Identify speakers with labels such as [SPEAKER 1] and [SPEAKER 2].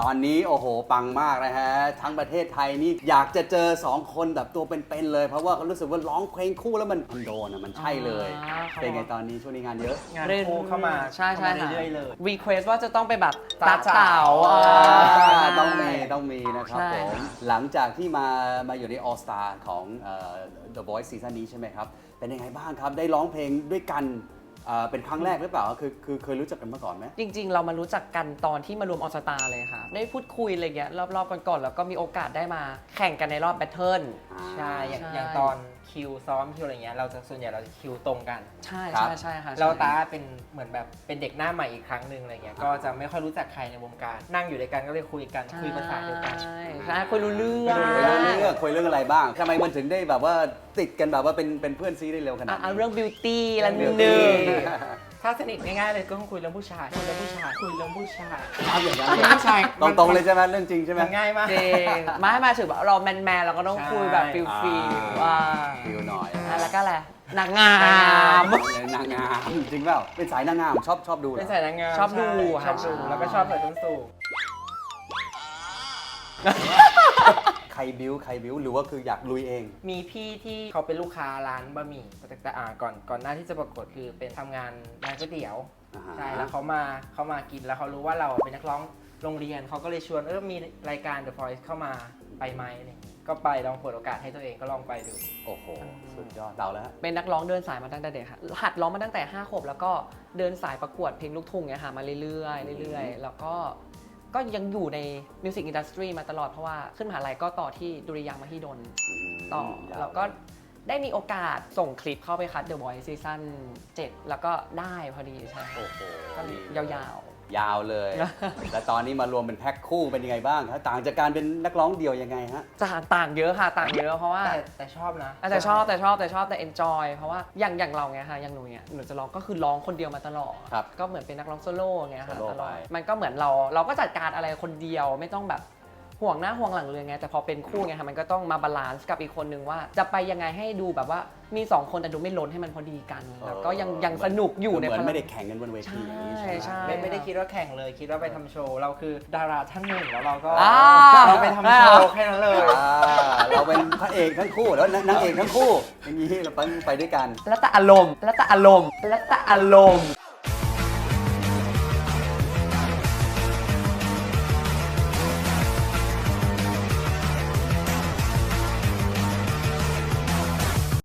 [SPEAKER 1] อนนี้โอ้โหปังมากนะฮะทั้งประเทศไทยนี่อยากจะเจอ2คนแบบตัวเป็นๆเลยเพราะว่าเขารู้สึกว่าร้องเพลงคู่แล้วมันโดนอ่ะมันใช่เลยเป็นไงตอนนี้ช่วงนี้งานเยอะ
[SPEAKER 2] งานคู่เข้ามา
[SPEAKER 3] ใช่ค่ะ
[SPEAKER 2] เรื่อยๆเลย
[SPEAKER 3] รีเควสว่าจะต้องไปแบบ
[SPEAKER 2] ตาเจ๋า
[SPEAKER 1] ต้องมีนะครับผมหลังจากที่มาอยู่ใน All Star ของThe Voice ซีซั่นนี้ใช่ไหมครับเป็นยังไงบ้างครับได้ร้องเพลงด้วยกันเป็นครั้งแรกหรือเปล่าคือเคยรู้จักกันมาก่อนไหม
[SPEAKER 3] จริงๆ เรามารู้จักกันตอนที่มารวมออสตาเลยค่ะ ได้พูดคุยอะไรเงี้ยรอบๆก่อนๆแล้วก็มีโอกาสได้มาแข่งกันในรอบแบทเทิล
[SPEAKER 2] ใช่
[SPEAKER 3] ใช่
[SPEAKER 2] อย่างตอนคิวซ้อมคิวอะไรเงี้ยส่วนใหญ่เราจะคิวตรงกัน
[SPEAKER 3] ใช่
[SPEAKER 1] ครับ
[SPEAKER 3] ใช่ค่ะ
[SPEAKER 2] เราตาเป็นเหมือนแบบเป็นเด็กหน้าใหม่อีกครั้งหนึ่งอะไรเงี้ยก็จะไม่ค่อยรู้จักใครในวงการนั่งอยู่ด้วยกันก็เลยคุยกันคุยภาษาเดียวกัน
[SPEAKER 3] ใช่คุยรู้เรื่อง
[SPEAKER 1] คุยเรื่องอะไรบ้างทำไมมันถึงได้แบบว่าติดกันแบบว่าเป็นเพื่อนซีได้เร็วขนาดนี้
[SPEAKER 3] เรื่องบิวตี้ละห
[SPEAKER 2] เรื่อง
[SPEAKER 3] นึ่ง
[SPEAKER 2] beauty ถ้าสนิทง่ายๆเลยก็ต้องคุยเรื่องผู้ชายคุยเรื่องผู้ชายคุยเรื่องผู้ชาย
[SPEAKER 1] เอาอย่างนั้น
[SPEAKER 2] ผู้ชาย
[SPEAKER 1] ตรงๆเลยใช่ไหมเรื่องจริงใช่ไหม
[SPEAKER 2] มันง่ายมาก
[SPEAKER 3] จริงไม่มาถึงแบบเราแมนๆเราก็ต้องคุยแบบฟิล
[SPEAKER 1] อ่า
[SPEAKER 3] ฟีว่า
[SPEAKER 1] ฟิลหน่อย
[SPEAKER 3] แล้วก็อะไรนางงาม
[SPEAKER 1] นางงามจริงเปล่าเป็นสายนางงามชอบดูเหร
[SPEAKER 2] เป็น
[SPEAKER 1] อ
[SPEAKER 2] สายนางงาม
[SPEAKER 3] ชอบดู
[SPEAKER 2] ใช่ชอบดู
[SPEAKER 3] ค่ะ
[SPEAKER 2] แล้วก็ชอบใส่ส้นสูง
[SPEAKER 1] ใครบิ้วหรือว่าคืออยากลุยเอง
[SPEAKER 2] มีพี่ที่เขาเป็นลูกค้าร้านบะหมี่แต่ก่อนหน้าที่จะประกวดคือเป็นทำงานร้านก๋วยเตี๋ยว
[SPEAKER 1] อ่าฮะ
[SPEAKER 2] ใช่แล้วเขามากินแล้วเขารู้ว่าเราเป็นนักร้องโรงเรียนเขาก็เลยชวนมีรายการ The Voice เข้ามาไปไหมอะไรอย่างงี้ก็ไปลองเปิดโอกาสให้ตัวเองก็ลองไปดู
[SPEAKER 1] โอ้โหสุดยอดเราแล้วฮะ
[SPEAKER 3] เป็นนักร้องเดินสายมาตั้งแต่เด็กค่ะหัดร้องมาตั้งแต่5 ขวบแล้วก็เดินสายประกวดเพลงลูกทุ่งเนี่ยค่ะมาเรื่อยๆแล้วก็ยังอยู่ในมิวสิกอินดัสทรีมาตลอดเพราะว่าขึ้นมหาลัยก็ต่อที่ดุริยางค์มหิดลต่อแล้วก็ได้มีโอกาสส่งคลิปเข้าไปคัด The Voice ซีซั่น7แล้วก็ได้พอดีใช่
[SPEAKER 1] โอ้โห
[SPEAKER 3] ก็ยาว
[SPEAKER 1] ยาวเลย แต่ตอนนี้มารวมเป็นแพ็คคู่เป็นยังไงบ้างครับต่างจากการเป็นนักร้องเดี่ยวยังไงฮะ
[SPEAKER 3] ๆต่างเยอะค่ะต่างเยอะเพราะว่า
[SPEAKER 2] แต่ชอบนะ
[SPEAKER 3] แต่ชอบแต่ enjoy เพราะว่าอย่างเราไงค่ะอย่างหนูเนี่ยหนูจะร้องก็คือร้องคนเดียวมาตลอด
[SPEAKER 1] ครับ
[SPEAKER 3] ก็เหมือนเป็นนักร้องโซโล่ไงค่ะ
[SPEAKER 1] โซโล่
[SPEAKER 3] ตลอด
[SPEAKER 1] ไป
[SPEAKER 3] มันก็เหมือนเราก็จัดการอะไรคนเดียวไม่ต้องแบบห่วงหน้าห่วงหลังเลยไงแต่พอเป็นคู่ไงค่ะมันก็ต้องมาบาลานซ์กับอีกคนนึงว่าจะไปยังไงให้ดูแบบว่ามี2 คนแต่ดูไม่ล้นให้มันพอดีกันแล้วก็ยังสนุกอยู่ใน
[SPEAKER 1] เหมือน
[SPEAKER 3] พลัง
[SPEAKER 1] ไม่ได้แข่งกันบนเวทีอย่างนี้ใช่ไหม
[SPEAKER 3] ใช่
[SPEAKER 2] ไม่ได้คิดว่าแข่งเลยคิดว่าไปทำโชว์เราคือดาราท่านหนึ่งแล้วเราก็
[SPEAKER 3] อ่า
[SPEAKER 2] เราไปทำโชว์แค่นั้นเลย
[SPEAKER 1] เราเป็นพระเอกทั้งคู่แล้วนางเอกทั้งคู่อย่างนี้เราไปด้วยกัน
[SPEAKER 3] แล้วแต่อารมณ์